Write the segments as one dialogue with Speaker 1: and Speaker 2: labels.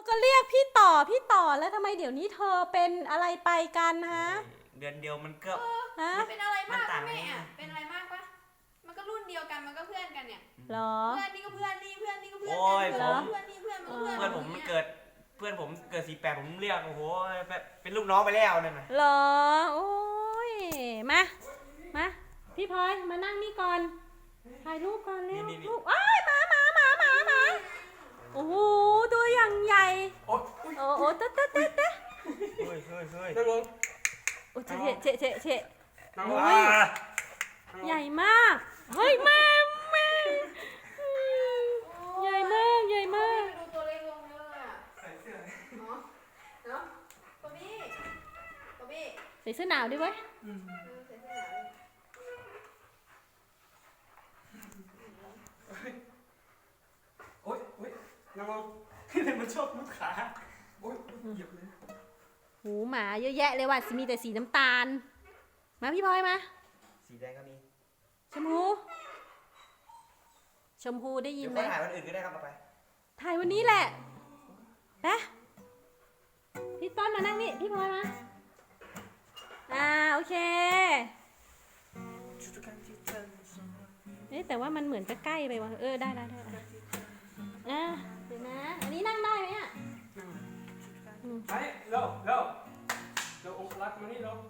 Speaker 1: ก็เรียกพี่ต่อแล้วทำไมเดี๋ยวนี้เธอเป็นอะไรไปกันฮะ
Speaker 2: เดือนเดียวมันก็
Speaker 1: ฮะ
Speaker 3: เป็นอะไรมาก
Speaker 2: มันต่าง
Speaker 3: แม่
Speaker 2: ไง
Speaker 3: อะเป็นอะไรมากปะมันก็รุ่นเดียวกันมันก็เพื่อนกันเนี่ย
Speaker 1: เหรอ
Speaker 3: เพื่อนนี่ก็เพื่อนนี่เพื่อนนี่ก็เพื่อน
Speaker 2: โอ้ย
Speaker 3: กัน
Speaker 2: ผม
Speaker 3: เพื่อนนี่เพื่อนมันก็เพื่อน
Speaker 2: เพื่อนผมมันเกิด48ผมเรียกโอ้โหเป็นลูกน้องไปแล้วนั่นน่ะ
Speaker 1: เหรอโอ้ยมาพี่พลอยมานั่งนี่ก่อนถ่ายรูปก่อนเร็วลูกอ้ายหมาโอ้โหตัวอย่างใหญ่
Speaker 2: โอ้ย
Speaker 1: โอ้โหเต๊ะ
Speaker 2: เฮ้ย
Speaker 4: นั่งลง
Speaker 1: โอ้เฉะ
Speaker 4: นั่งล
Speaker 1: โอ้
Speaker 4: ง
Speaker 1: ยใหญ่มากเฮ้ยแม่ใหญ่มาก
Speaker 3: ดูตัวเล็กลงเยอะเลยอะ
Speaker 4: ใส่เสื้อ
Speaker 3: เนาะเนาะตัวบี้
Speaker 1: ใส่เสื้อหนาวด้วยเว้ย
Speaker 3: ใส่เสื้อหนาวเลย
Speaker 4: โอ๊ยนั่งลงที่ไหนมันชอบมุดขาโอ๊ยเหยียบเลย
Speaker 1: หูหมาเยอะแยะเลยว่ะมีแต่สีน้ำตาลมาพี่พลอยมา
Speaker 2: สีแดงก็มี
Speaker 1: ชมพูได้ยิ
Speaker 2: เดี๋
Speaker 1: น
Speaker 2: ยว
Speaker 1: ไหม
Speaker 2: ค่อยถ่ายวันอื่นก็ได้ครับต่อไป
Speaker 1: ถ่ายวันนี้แหละไปพี่ต้นมานั่งนี่พี่พลอยมาโอเคแต่ว่ามันเหมือนจะใกล้ไปว่ะได้เดี๋ยวนะอันนี้นั่งได้ไหมอ่ะ
Speaker 4: ไปเร็วองค์รักมานี่เร็ว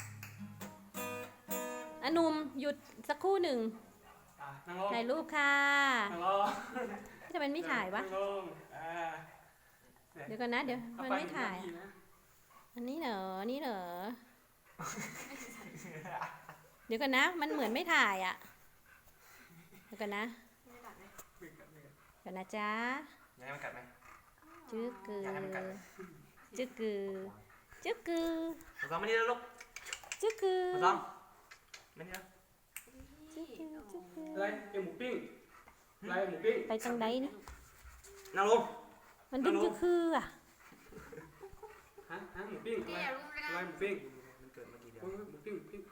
Speaker 1: หนุ่มหยุดสักครู่หนึ่ง
Speaker 4: นั่งลง
Speaker 1: ถ่ายรูปค่ะ
Speaker 4: นั่งลง
Speaker 1: จะเป็นไม่ถ่ายวะ
Speaker 4: นั่งลง
Speaker 1: เดี๋ยวก่อนนะเดี๋ยวมันไม่ถ่ายอันนี้เหรอเดี๋ยวก่อนนะมันเหมือนไม่ถ่ายอ่ะเดี๋ยวก่อนนะเดี๋ยวนะจ๊ะ
Speaker 2: อยากให้มันกัดไหม
Speaker 1: จึ๊กกือ
Speaker 2: อยากให้มันกัดไหม
Speaker 1: จึ๊กกือ
Speaker 2: มาซ้อมมานี่แล้วลูก
Speaker 1: จึ๊กกือ
Speaker 2: มาซ้อมมานี่แล้ว
Speaker 4: อะไรเอ็มหมูปิ้งอะไรหมูปิ้ง
Speaker 1: ไปตรงไหนนี่
Speaker 2: นั่งลง
Speaker 1: มันดึงจึ๊กคืออ่ะ
Speaker 4: ฮะหมูปิ้งอะไรหมูปิ้ง
Speaker 2: มันเกิดมากี่เดือน
Speaker 4: หมูปิ้ง